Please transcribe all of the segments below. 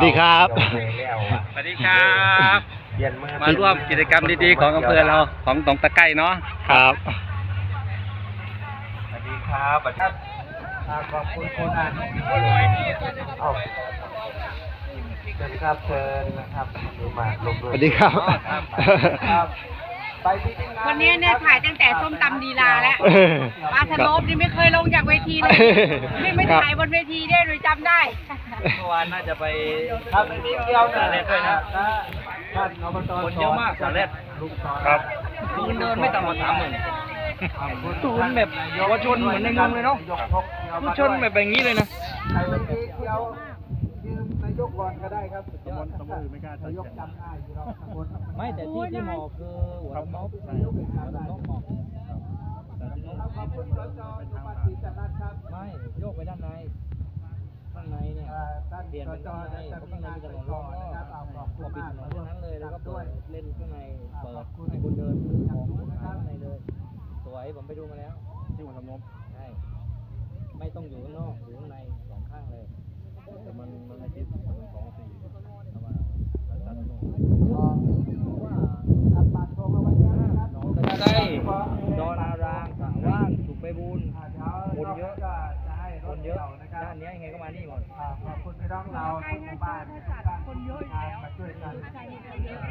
ดีครับสวัสดีครับมาร่วมกิจกรรมดีๆของอำเภอเราของตองตะไคร่เนาะครับสวัสดีครับขอบคุณคนอ่านเอาเชิญครับเชิญนะครับดูมาลงด้วยสวัสดีครับวันนี้เนี่ยถ่ายตั้งแต่ส้มตำลีลาแล้วปลาสโลปนี่ไม่เคยลงจากเวทีเลยไม่ถ่ายบนเวทีได้เลยจำได้เมื่อวานน่าจะไปทำในนี้เดียวนะด้วยนะท่านอบตคนเยอะมากสาเล็ดครับคุณเดินไม่ต่ำกว่า30,000ศูนย์แบบเยาวชนเหมือนในเมืองเลยเนาะผู้ชนแบบอย่างนี้เลยนะใครวันนี้เที่ยวยืมนายกก่อนก็ได้ครับตำบลไม่กล้านายกจำได้อยู่แล้วตำบลไม่แต่ที่หมอกคือหัวลำนกหัวลำนกหมอกขอบคุณสจสุภาษีจันทร์ครับไม่โยกไปด้านในข้างในเนี่ยเปลี่ยนเป็นข้างในข้างในมีถนนรอบก็ปิดถนนตรงนั้นเลยแล้วก็เปิดเล่นข้างในเปิดให้คุณเดินซื้อของข้างในเลยสวยผมไปดูมาแล้วที่หัวลำนกใช่ไม่ต้องอยู่ข้างนอกอยู่ข้างในสองข้างเลยแต่มันไม่คิด2-4แต่ว่าจัดตรงว่าอัดปากโทรมาไว้นะครับน้องตะไคร่ดอนารางสาว่างสุขไปบุญคนเยอะคนเยอะด้านนี้ยังไงก็มานี่หมดขอบคุณพี่น้องเราทุกบ้านคนเยอะมาช่วยกันศักยภาพ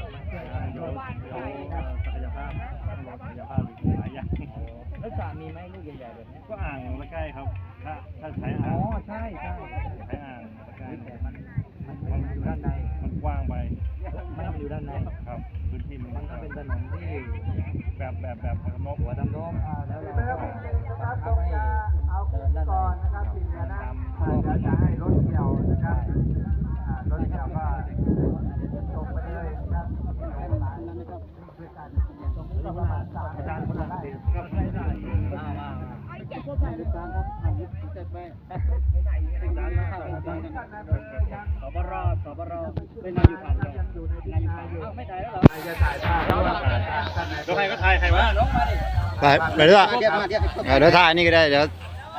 หลายอย่างแล้วสามีไหมลูกใหญ่ๆแบบนี้ก็อ่างละใกล้ครับถ้าใช้อ่างใช่ใช้อ่างละใกล้แต่มันอยู่ด้านในมันกว้างไปไม่ต้องอยู่ด้านในครับพื้นที่มันก็เป็นถนนที่แบบนกหัวดำน้องแล้วเราก็ให้เอาก่อนนะครับทีนี้นะจะให้รถเกี่ยวนะครับรถเกี่ยวก็ตรงไปเลยนะครับด้วยกันตรงนี้ประมาณ3การคนละได้ครับได้สบรเป็นนายอยู่ผ่านเลยไม่ถ่ายแล้วเหรอจะถ่ายภาพแล้วใครก็ถ่ายใครวะน้องมาดิไปเรื่อยเดี๋ยวถ่ายนี่ก็ได้เดี๋ยว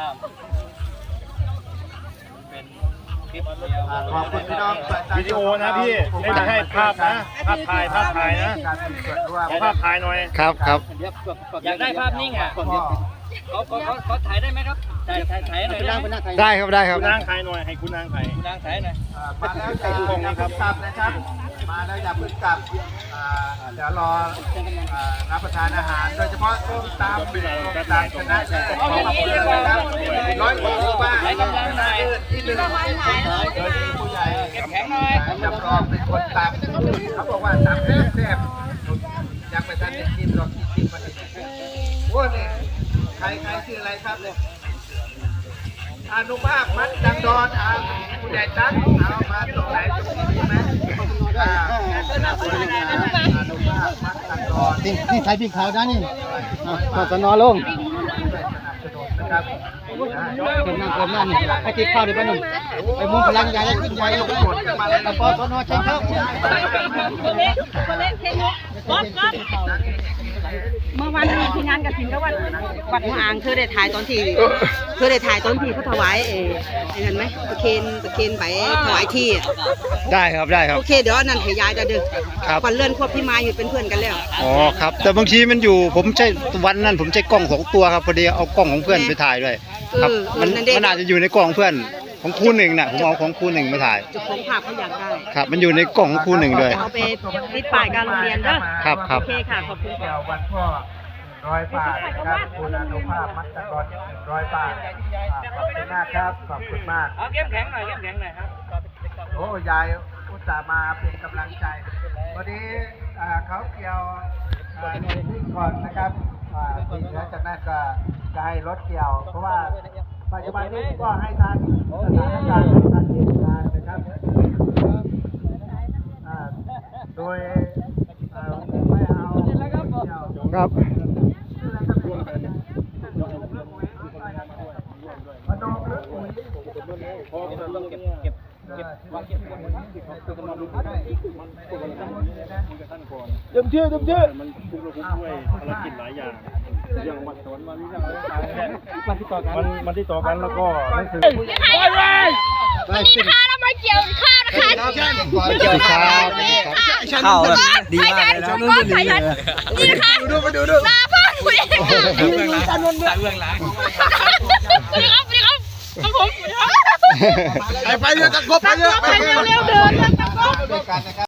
ขอบคุณพี่น้องวิดีโอนะพี่ไม่ได้ให้ภาพนะภาพถ่ายนะภาพถ่ายหน่อยครับอยากได้ภาพนิ่งอ่ะเขาถ่ายได้ไหมครับถ่ายหน่อยได้ครับคุณนางถ่ายหน่อยให้คุณนางถ่ายหน่อยมาแล้วอย่าเพิ่งกลับนะครับมาแล้วอย่าเพิ่งกลับเดี๋ยวรอรับประทานอาหารโดยเฉพาะต้มตำชนะของอำเภอนะครับ100 กว่าหมู่บ้านที่1โดยมีผู้ใหญ่จำลองเป็นคนตำเขาบอกว่าตำแซ่บยังไม่ทันได้กินหรอกกินมาถึงโอ้เนี่ยใครชื่ออะไรครับเนี่ยอนุภาพมัดดังดอนผู้ใหญ่ตั้งเอามาตรงไหนตรงนี้ไหมอนุภาพมัดดังดอนนี่ใครพี่ขาวด้านนี่สนอลงเป็นนั่นไอ้ที่ข้าวเดี๋ยวไปหนุ่มไอ้มุ้งพลังใหญ่แล้วขึ้นใหญ่แล้วแต่พอสนอใช้ข้าวเมื่อวันนี้ที่งานกฐินก็วัดหัวอ่างคือได้ถ่ายตอนที่เขาถวายเห็นไหมตะเคนไปถวายที่ได้ครับโอเคเดี๋ยวนั่นขยายจะดึกวันเลื่อนควบพี่มาอยู่เป็นเพื่อนกันแล้วอ๋อครับแต่บางทีมันอยู่ผมใช้วันนั้นผมใช้กล้อง2 ตัวครับพอดีเอากล้องของเพื่อนไปถ่ายด้วยครับมันอาจจะอยู่ในกล้องเพื่อนของครูหนึ่งน่ะผมเอาของครูหนึ่งมาถ่ายจุดของภาพเขาอยากได้ครับมันอยู่ในกล่องของครูหนึ่งด้วยเอาไปติดป้ายการโรงเรียนเด้อครับโอเคค่ะขอบคุณค่ะวันพ่อ100 บาทนะครับคุณอนุภาพมัดตะกอน100 บาทขอบคุณมากครับขอบคุณมากเข้มแข็งหน่อยครับโอ้ยายอุตส่าห์มาเป็นกำลังใจวันนี้เขาเกี่ยวก่อนนะครับทีนี้จากนั้นก็จะให้รถเกี่ยวเพราะว่าปัจจุบันนี้ก็ให้ทานสถานการณ์ทางเหตุการณ์นะครับโดยไม่เอาครับมาดองเรื่องปุ๋ยเต็มที่มันคุกด้วยภารกิจหลายอย่างอย่างวัดสวนวันนี้มันที่ต่อกันแล้วก็วันนี้นะคะเรามาเกี่ยวข้าวนะคะก่อนสวัสดีครับเข้าแบบดีมากเลยนะนู่นนี่เลยนี่ค่ะดูมาดูหน้าพ่อคุยสวัสดีครับสวัสดีครับของผมไปเร็วตะกบไปเร็วไปเร็วๆเดินด้วยกันนะครับ